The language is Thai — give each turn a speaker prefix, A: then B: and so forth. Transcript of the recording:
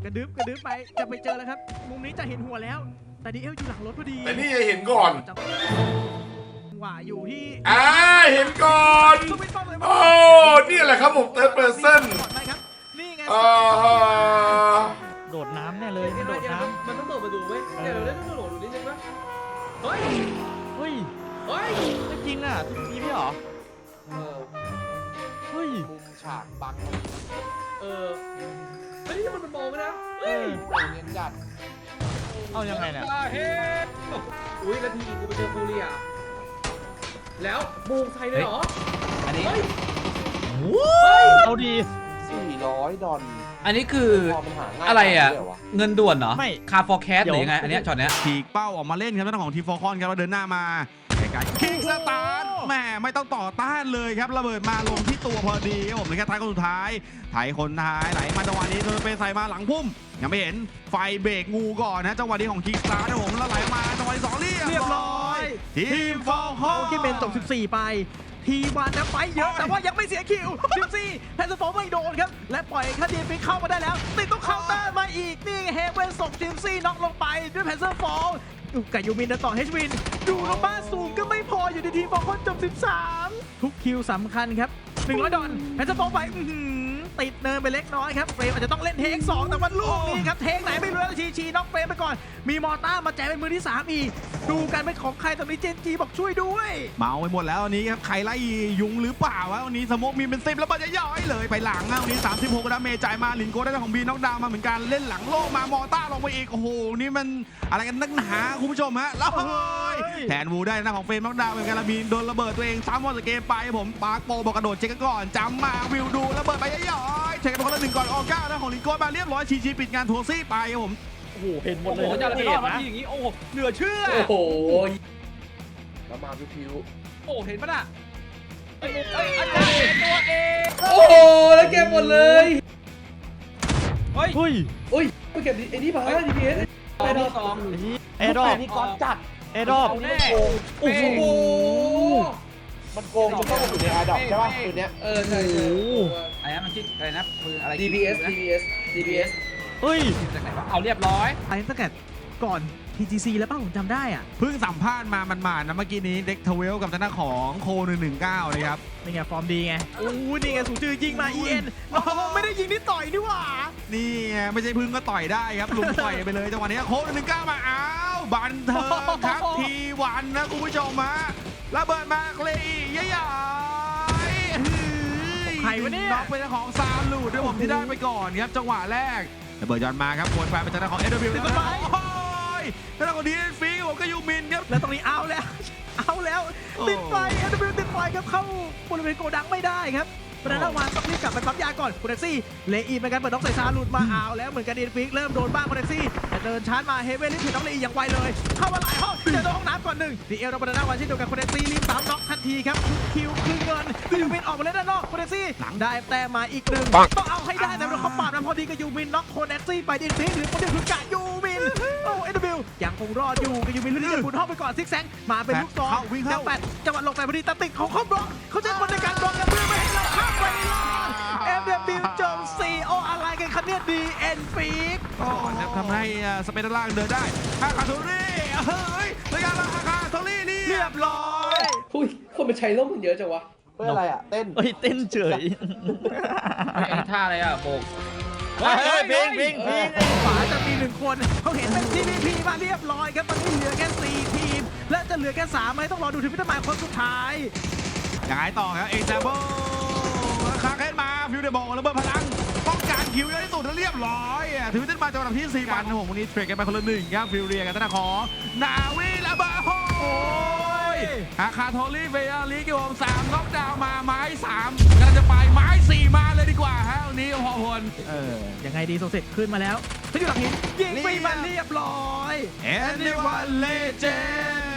A: กระดึ๊บไปจะไปเจอแล้วครับมุมนี้จะเห็นหัวแล้วแต่ดีเอลอยู่หลังรถพอดี
B: แต่นี่จะเห็นก่อน
A: ว่าอยู่ที่
B: เห็นก่อนโอ้นี่แหละครับผมเติร์ดเพอร์เซน
A: นี่ไง
C: โดดน้ำแน่เลยโดดน้ำ
D: มันต้องโดดมาดูเว้ยเดี๋ยวเล่นต้องโดดดูนิดนึงปะเฮ้ย
C: จริงอ่ะทีพี่หรอเฮ้ย
D: มุมฉากบังเฮ้ยนี่มันมองนะเฮ้ยเนียนจัด
C: เอายังไงเนี่ย
D: อุ้ยแล้วทีกูไปเจอฟูเรียแล้วบูงไทยเลยเหรอ
C: อันนี้เอาดี
D: 400 ดอล
E: อันนี้คืออะไรอ่ะเงินด่วนเหรอไม่คาร์ฟอร์แคสหรือยังไงอันนี้ช็อตเนี้ย
F: ฉีกเป้าออกมาเล่นครับเจ้าของทีมฟอร์คอนครับแล้วเดินหน้ามาไกลๆคิกสตาร์ทแหมไม่ต้องต่อต้านเลยครับระเบิดมาลงที่ตัวพอดีครับผมในแค่ท้ายคนสุดท้ายไถคนท้ายไหลมาจังหวะนี้โดนไปใส่มาหลังพุ่มยังไม่เห็นไฟเบรกงูก่อนนะจังหวะนี้ของคิกสตาร์ทนะผมแล้วไหลมาจังหวะที่2เรียบร้อยทีมฟอร์คอน
A: ที่เป็นตก14ไปทีวันนะไปเยอะแต่ว่ายังไม่เสียคิวทีมซีแพนเซอร์ฟอร์ไม่โดนครับและปล่อยคาดีฟิกเข้ามาได้แล้วติดต้องเคาน์เตอร์มาอีกนี่เฮเวนส่งทีมซีน็อกลงไปด้วยแพนเซอร์ฟอร์กับยูมินต่อเฮชวินดูลงบ้านสูงก็ไม่พออยู่ในทีมฟอร์คอนจบ13ทุกคิวสำคัญครับ100 ดอลแพนเซอร์ฟอร์ไปติดเนินไปเล็กน้อยครับเฟรมอาจจะต้องเล่นเทค2แต่ว่าลูกนี้ครับเทคไหนไม่รู้แล้วชีน็อกเฟรมไปก่อนมีมอต้ามาแจกเป็นมือที่3อีกดูกันเป็นของใครตอนนี้เจนจีบอกช่วยด้วย
F: เมาไปหมดแล้ววันนี้ครับใครไล่ยุงหรือเปล่าวะวันนี้สโมกมีเป็น10แล้วมันจะย่อยเลยไปหลังวันนี้36ดาเมจจ่ายมาลินโก้ได้ของบีน็อกดาวมาเหมือนกันเล่นหลังโลกมามอต้าลงไปอีกโอ้โหนี่มันอะไรกันนักหนาคุณผู้ชมฮะแล้วแทนวูได้นะของเฟรมน็อกดาวเหมือนกันละบีนโดนระเบิดตัวเองซ้ำหมดเกมไปผมปาร์คโปบอกกระโดดเช็คก่อนจำมาวิวดูระเบิดไปย่อยเช็คกันคนละ1ก่อนออก้านะของลินโก้มาเรียบร้อยชีปิดงานทัวร์ซี่ไปครับผม
C: โอ้โหเห็นหมดเลย
D: จะ
C: ไป
D: รอดมาทีอย่างนี้โอ้เหลือเชื่อ
E: โอ้โห
D: แล้วมาพิว
A: โอ้เห็นปะน่ะ
D: อาจารย์ตัวเอง
E: โอ้โหแล้วเก็บหมดเลย
C: เฮ้ย
D: ไปเก็บไอ้นี่มาDPS
C: แอร์ดรอป
D: นี่ก้อนจัด
C: แอร์ดรอป
D: โอ้โหมันโกงจะต้องอยู่ในแอร์ดรอปใช่ป่ะปืนเนี้ย
E: ใช่ไอ้นั่นมันชื่ออะไรนะปืนอะไร
D: DPS
C: เฮ้ย
E: จากไหนวะเอาเรียบร้อย
A: ไอ้ตั้งแต่ก่อน TGC แล้วป่ะผมจำได้อ่ะ
F: เพิ่งสัมภาษณ์มามันๆนะเมื่อกี้นี้เด็กทเวลกับทางด้านของโค119นะครับ
A: นี่ไงฟอร์มดีไงโอ้นี่ไงสูงจือยิงมา EN ไม่ได้ยิงที่ต่อยนี่หว่า
F: นี่ไงไม่ใช่พึ่งก็ต่อยได้ครับลุงต่อยไปเลยจังหวะนี้โค119มาอ้าวบันเทิงครับทีวันนะคุณผู้ชมฮะระเบิดมาเลยใหญ่
A: ใครวะเนี่ย
F: น็อกเป็นของซาลูดด้วยผมที่ได้ไปก่อนครับจังหวะแรกระเบิดย้อนมาครับวนไปเป็นทางด้านของSWติดไปทางด้านของดีเอ็นฟีผมก็ยูมินครับ
A: แล้วตรงนี้เอาแล้วติดไฟSWติดไฟครับเข้าบริเวณโกดังไม่ได้ครับประธานวานต้องรีบกลับไปปั๊มยาก่อนคุณแท็กซี่เลอีเป็นการเปิดน็อกใส่ซาลูดมาเอาแล้วเหมือนกันดีเอ็นฟีเริ่มโดนบ้างคุณแท็กซี่แต่เดินชาร์จมาเฮเว่นรีบผิดน็อกเลอีอย่างไวเลยเข้ามาหลายห้องเจอห้องน้ำก่อน1ดีเอลเราประธานวานเช่นเดียวกับคุณแท็กซี่รีบ3น็อกทันทีครับคิวคือเงินยูมินออกมาเล่นด้านนอกคุณแท็กซี่หลังได้แต้มมาอีก1ต้องเอาให้ได้แต่เราเขาปาดมันพอดีกับยูมินน็อกคุณแท็กซี่ไปดีเอ็นฟีหรือคนเดียวคือกะยูมินโอ้SWยังคงรอดอยู่กับยูมินเรื่อยๆบุญห้องไปก่อนซิกแซงมาเป็นลูกซองจังแปดจังหวะลงไปพอดีตัดติดเขาบล็อกเขาใช้คนในการบล็อกกันเพื่อไม่ให้เราข้ามไปFW โจม4โออะไรกันครับเนี่ย DN ฟีก
F: ทำให้สเปนล่างเดินได้อาคาโทรี่เฮ้ยรายการอาคาโทรี่เรียบร้อย
D: คนมันใช้ร่มมันเยอะจังวะเพื่ออะไรอ่ะเต้น
C: เต้นเฉย
E: ไอ้ท่าอะไรอ่ะโบก
C: พิง
A: ขวาจะมี1คนเขาเห็นเป็น TVP มาเรียบร้อยครับตอนนี้เหลือแค่4ทีมและจะเหลือแค่3ไหมต้องรอดูทีมพิธามายคนสุดท้าย
F: ยังไงต่อครับเอ็กซ์เบิลคาร์เคนมาฟิวเดอร์บอลระเบิดพลังป้องกันคิวเยอะที่สุดแล้วเรียบร้อยถือว่าเป็นมาจังหวะที่4 วันนะผมวันนี้เทรดกันไปคนละ1ครับฟิวเรียกับทางด้านของนาวีระเบิดโอ้ยอาคาโทลี่เฟียรีกิวผม3น็อกดาวน์มาไม้3กำลังจะไปไม้4มาเลยดีกว่าฮะวันนี้พอพล
A: ยังไงดีโซเซตขึ้นมาแล้วเขาอยู่หลังหินยิงไปมันเรียบร้อย
F: Anyone Legend